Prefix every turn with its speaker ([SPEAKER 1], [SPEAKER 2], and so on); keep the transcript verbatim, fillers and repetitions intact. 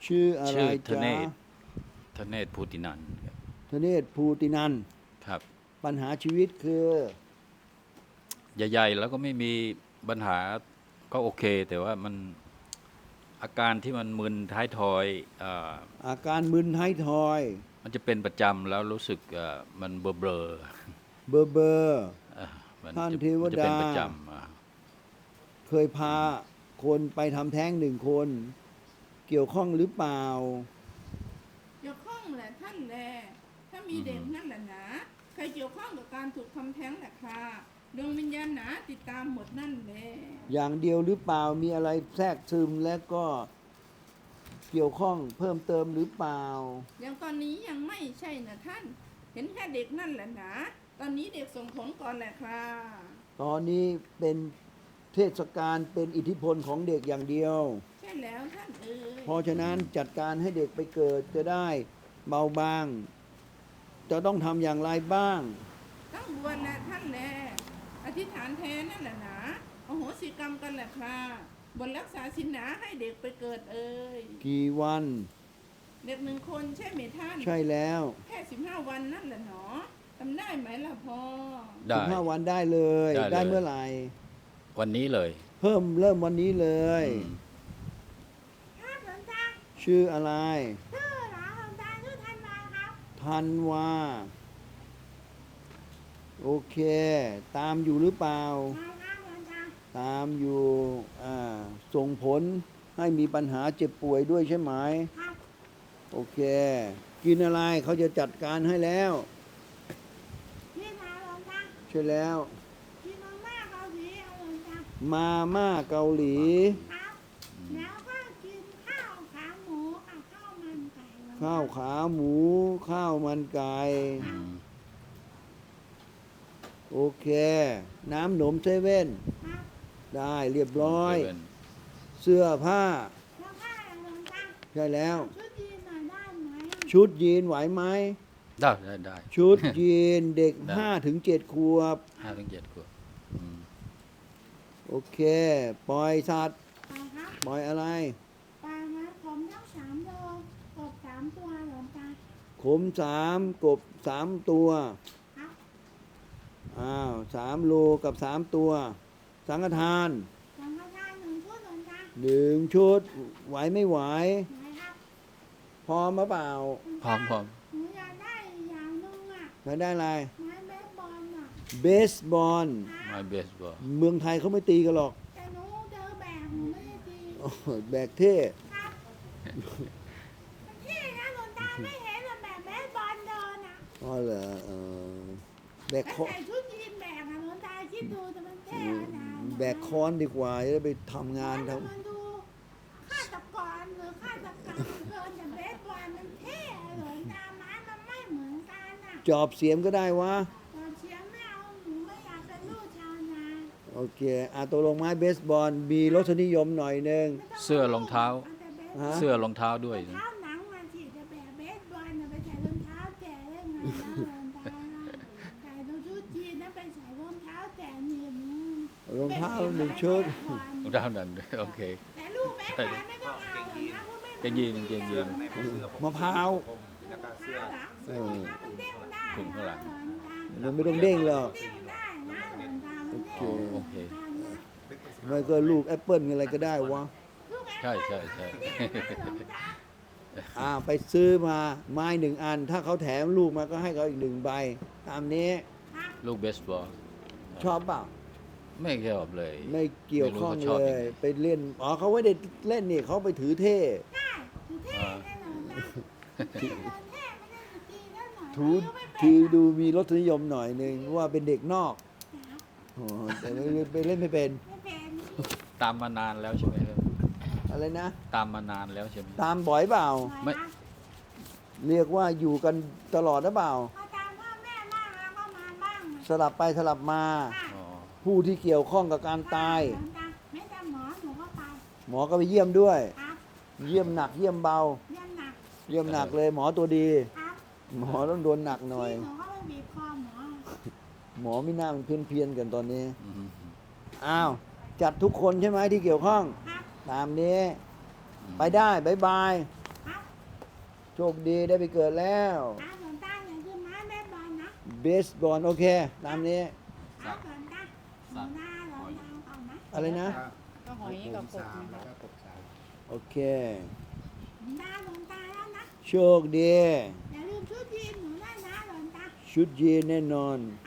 [SPEAKER 1] ชื่ออะไร
[SPEAKER 2] ชื่อธ
[SPEAKER 1] จ๊ะ
[SPEAKER 2] เนศธเนศภูตินันท์ครับ
[SPEAKER 1] ธเนศภูตินันท์
[SPEAKER 2] ครับ
[SPEAKER 1] ปัญหาชีวิตคือ
[SPEAKER 2] ใหญ่ๆแล้วก็ไม่มีปัญหาก็โอเค แต่ว่ามันอาการที่มันมึนท้ายทอยเอ่อ
[SPEAKER 1] อาการมึนท้ายทอย
[SPEAKER 2] มันจะเป็นประจำแล้วรู้สึกเอ่อมันเบลอ
[SPEAKER 1] เบอร์เบอร์
[SPEAKER 2] ๆเอ่อมัน
[SPEAKER 1] ท่าน
[SPEAKER 2] จะ
[SPEAKER 1] เทว
[SPEAKER 2] มันจะเป็น
[SPEAKER 1] ดา
[SPEAKER 2] ประจำอ่ะ
[SPEAKER 1] เคยพาคนไปทำแท้งหนึ่งคน เกี่ยวข้องหรือเปล่า
[SPEAKER 3] เกี่ยวข้องแหละท่านแลถ้ามีเด็กนั่นแหละนะใครเกี่ยวข้องกับการถูกทำแท้งแหละค่ะดวงวิญญาณหนาติดตามหมดนั่นแหละ
[SPEAKER 1] อย่างเดียวหรือเปล่ามีอะไรแทรกซึมและก็เกี่ยวข้องเพิ่มเติมหรือเปล่า
[SPEAKER 3] อย่างตอนนี้ยังไม่ใช่นะท่าน เห็นแค่เด็กนั่นแหละนะตอนนี้เด็กส่งผลก่อนแหละค่ะ
[SPEAKER 1] ตอนนี้เป็นเทศกาลเป็นอิทธิพลของเด็กอย่างเดียว
[SPEAKER 3] ใช่แล้วท่านเอ๋ย
[SPEAKER 1] เพราะฉะนั้นจัดการให้เด็กไปเกิดจะได้เบาบาง จะต้องทำอย่างไรบ้าง
[SPEAKER 3] ต้องบวชแหละท่านแลอธิษฐานแทนนั่นแหละนะโอโหสิกรรมกันแหละค่ะบนรักษาศีลหนาให้เด็กไปเกิดเอ่ย
[SPEAKER 1] กี่วัน
[SPEAKER 3] เด็กหนึ่งคนใช่ไหมท่าน
[SPEAKER 1] ใช่แล้ว
[SPEAKER 3] แค่สิบห้าวันนั่นแหละเนาะทำได้ไหมล่ะพ่อ
[SPEAKER 2] ได้
[SPEAKER 1] สิบห้าวันได้เลย
[SPEAKER 2] ได้เลย
[SPEAKER 1] ได้เมื่อไหร่
[SPEAKER 2] วันนี้เลย
[SPEAKER 1] เพิ่มเริ่มวันนี้เลย
[SPEAKER 2] อืม
[SPEAKER 4] ครับหลวงตา
[SPEAKER 1] ชื่ออะไร
[SPEAKER 4] ชื่อเหรอหลวงตาชื่อธันวาครับ
[SPEAKER 1] ธันวาโอเค ตามอยู่หรือเปล่า
[SPEAKER 4] มาครับหลวงตา
[SPEAKER 1] ตามอยู่อ่าส่งผลให้มีปัญหาเจ็บป่วยด้วยใช่ไหม
[SPEAKER 4] ครับ
[SPEAKER 1] โอเค กินอะไรเขาจะจัดการให้แล้ว
[SPEAKER 4] พี่นาหลวงตา
[SPEAKER 1] ใช่แล้ว
[SPEAKER 4] พี่มาม่าเกาหลีเอาหลวงตา
[SPEAKER 1] มาม่าเกาหลี
[SPEAKER 4] ครับแล้วก็กินข้าวขาหมูกับข้าวมันไก่หลวงต
[SPEAKER 1] ข้าวขาหมู ข้าวมันไก่
[SPEAKER 2] อืม
[SPEAKER 1] โอเค น้ำหนมเซเว่น
[SPEAKER 4] ครับ
[SPEAKER 1] ได้เรียบร้อย
[SPEAKER 2] เซเว่น
[SPEAKER 1] เสื้อผ้า
[SPEAKER 4] แล้วก็หลวงตา
[SPEAKER 1] ใช่แล้ว
[SPEAKER 4] ชุดยีนหน่อยได้ไหม
[SPEAKER 1] ชุดยีนไหวไหม
[SPEAKER 2] ได้ได้ได้
[SPEAKER 1] ชุดยีนเด็ก
[SPEAKER 2] ได้
[SPEAKER 1] ห้าถึงเจ็ดขวบ
[SPEAKER 2] ห้าถึงเจ็ดขวบอืม
[SPEAKER 1] โอเค ปล่อยสัตว์
[SPEAKER 4] ไปครับ
[SPEAKER 1] ปล่อยอะไร
[SPEAKER 4] ไปครับผมทั้งสามโลกบสามตัวหลวงตา
[SPEAKER 1] ขมสามกบสามตัว
[SPEAKER 4] ครับ
[SPEAKER 1] อ้าวสามโลกับสามตัว สังฆทาน
[SPEAKER 4] สังฆทานหนึ่งชุดหลวงตา
[SPEAKER 1] หนึ่งชุด ไหวไม่ไหว
[SPEAKER 4] ไหนครับ
[SPEAKER 1] พร้อมหรือเปล่า
[SPEAKER 2] พร้อมพร้อม
[SPEAKER 4] หนูอยากได้อย่างหนึงอ่ะ
[SPEAKER 1] จะได้อะไร
[SPEAKER 4] ไม้เบสบอลอ่ะ
[SPEAKER 1] เบสบอล
[SPEAKER 2] ไม้เบสบอล
[SPEAKER 1] เมืองไทยเขาไม่ตีกันหรอก
[SPEAKER 4] แต่หนูเจอแบบหนูไม่ได้ตี
[SPEAKER 1] โอ้โหแบกเท่
[SPEAKER 4] ครับมันเท่นะหลวงตาไม่เห็นหรอกแบบเบสบอลเดินอ่ะ
[SPEAKER 1] อ๋อเหรอเออแบก
[SPEAKER 4] แล้ว
[SPEAKER 1] คอ
[SPEAKER 4] ใส่ชุดยีนแบกอะหลวงตาคิดดูจะมันเท่ขนาดไหน
[SPEAKER 1] แบกค้อนดีกว่าจะได้ไปทำงานท
[SPEAKER 4] แล้วมันดูฆาตกรหรือฆาตกรรมเกินแต่เบสบอลมันเท่หลวงตาไม้มันไม่เหมือนกันอ่ะ
[SPEAKER 1] ำจอบเสียมก็ได้วะ
[SPEAKER 4] ตอนเชียร์ไม่เอาหนูไม่อยากเป็นลูกชาวนา
[SPEAKER 1] โอเคอาตกลงไม้เบสบอลมีรสนิยมหน่อยหนึง
[SPEAKER 4] ไม่ต้
[SPEAKER 2] เสื้อรองเท้า
[SPEAKER 1] ฮะ
[SPEAKER 2] เสื้อรองเท้าด้วย
[SPEAKER 4] รอง
[SPEAKER 2] นะ
[SPEAKER 4] เท้าหนังมาสิจะแบบเบสบอลน่ะไปใส่รองเท้าแตะได้ไงนะรองเท้าใส่รองชุดยีนนะไปใส่รองเท้าแตะนี่มัน
[SPEAKER 1] รองเท้าหนึ่งชุด
[SPEAKER 2] รองเท้านั้นด้วยโอเค
[SPEAKER 4] แต่ลูกเบสบอลไม่ต้องเอาหรอกนะเพราะไม่
[SPEAKER 2] เกงยีนเกงยีน
[SPEAKER 1] มะพร้าว
[SPEAKER 4] เท้าหลังเสื้อรองเท้ามันเด้งได้
[SPEAKER 2] ถุงข้างหลัง
[SPEAKER 1] มันไม่ต้องเด้งหรอก
[SPEAKER 4] เด้งได้นะรองเท้ามันเด้ง
[SPEAKER 1] โอ
[SPEAKER 2] โอเค
[SPEAKER 1] ไม่ก็ลูกแอปเปิลอะไรก็ได้วะ
[SPEAKER 4] ลูกแอป
[SPEAKER 2] ใช่ใช่ใช่
[SPEAKER 4] เด้งนะรองเท้า
[SPEAKER 1] อ่าไปซื้อมาไม้หนึ่งอัน ถ้าเขาแถมลูกมาก็ให้เขาอีกหนึ่งใบ ตามนี้
[SPEAKER 4] ครับ
[SPEAKER 2] ลูกเบสบอล
[SPEAKER 1] ชอบเปล่า
[SPEAKER 2] ไม่ชอบเลย
[SPEAKER 1] ไม่เกี่ยวข้อง
[SPEAKER 2] ไม่รู้เขาช
[SPEAKER 1] เล
[SPEAKER 2] อบยัง
[SPEAKER 1] ย
[SPEAKER 2] ไง
[SPEAKER 1] ไปเล่น อ๋อเขาไม่ได้เล่นนี่เขาไปถือเท่
[SPEAKER 4] ได้ถือเท่แน่นอนนะถือเท่ไม่ได้ถือตีแน่นอน
[SPEAKER 1] ถือ
[SPEAKER 4] อายุไม่เป็น
[SPEAKER 1] ถือ
[SPEAKER 4] หรอก
[SPEAKER 1] ดูมีรสนิยมหน่อยหนึ่งว่าเป็นเด็กนอก
[SPEAKER 4] ครับ
[SPEAKER 1] อ๋อแต่ไม่ไปเล่นไม่เป็น
[SPEAKER 4] ไม่เป็น
[SPEAKER 2] ตามมานานแล้วใช่ไหมครับ
[SPEAKER 1] อะไรนะ
[SPEAKER 2] ตามมานานแล้วใช่ไหม
[SPEAKER 1] ตามบ่อยเปล่า
[SPEAKER 2] ไม่
[SPEAKER 4] ครับ
[SPEAKER 1] เรียกว่าอยู่กันตลอดหรือเปล่า
[SPEAKER 4] พอตามพ่อแม่บ้างแล้วก็มาบ้าง
[SPEAKER 1] สลับไปสลับมา
[SPEAKER 4] ค่ะ
[SPEAKER 2] อ๋อ
[SPEAKER 1] ผู้ที่เกี่ยวข้องกับการตาย
[SPEAKER 4] หลวงตาไม่แต่หมอหนูก็ไป
[SPEAKER 1] หมอก็ไปเยี่ยมด้วย
[SPEAKER 4] ครับ
[SPEAKER 1] เยี่ยมหนักเยี่ยมเบา
[SPEAKER 4] เยี่ยมหนัก
[SPEAKER 1] เยี่ยมหนักเลยหมอตัวดี
[SPEAKER 4] ครับ
[SPEAKER 1] หมอต้องโดนหนักหน่อย
[SPEAKER 4] ที่หนูก็ไปบีบคอหมอ
[SPEAKER 1] หมอไม่น่ามันเพี้ยนเพียนๆกันตอนนี้
[SPEAKER 2] อืม
[SPEAKER 1] อ้าว จัดทุกคนใช่ไหมที่เกี่ยวข้อง
[SPEAKER 4] ครับ
[SPEAKER 1] ตามนี้ ไปได้บายบายโชคดีได้ไปเกิดแล้ว
[SPEAKER 4] อาหลวงตาอย่าลืมไม้แม่บอลนะ
[SPEAKER 1] เบสบอลโอเค ตามนี้
[SPEAKER 4] อาหลวงตาหลวงตาหลวงตาก่อนนะ
[SPEAKER 1] อะไรนะ
[SPEAKER 5] ก็หอยกับกบ
[SPEAKER 6] สาม
[SPEAKER 5] นะ
[SPEAKER 6] แล้ว
[SPEAKER 5] คะ
[SPEAKER 6] ก็กบสาม
[SPEAKER 1] โอเค
[SPEAKER 4] หลวงตาหลวงตาแล้วนะ
[SPEAKER 1] โชคดี
[SPEAKER 4] อย่าลืมชุดยีนหนูด้วยนะหลวงตา
[SPEAKER 1] ชุดยีนแน่นอน
[SPEAKER 4] อ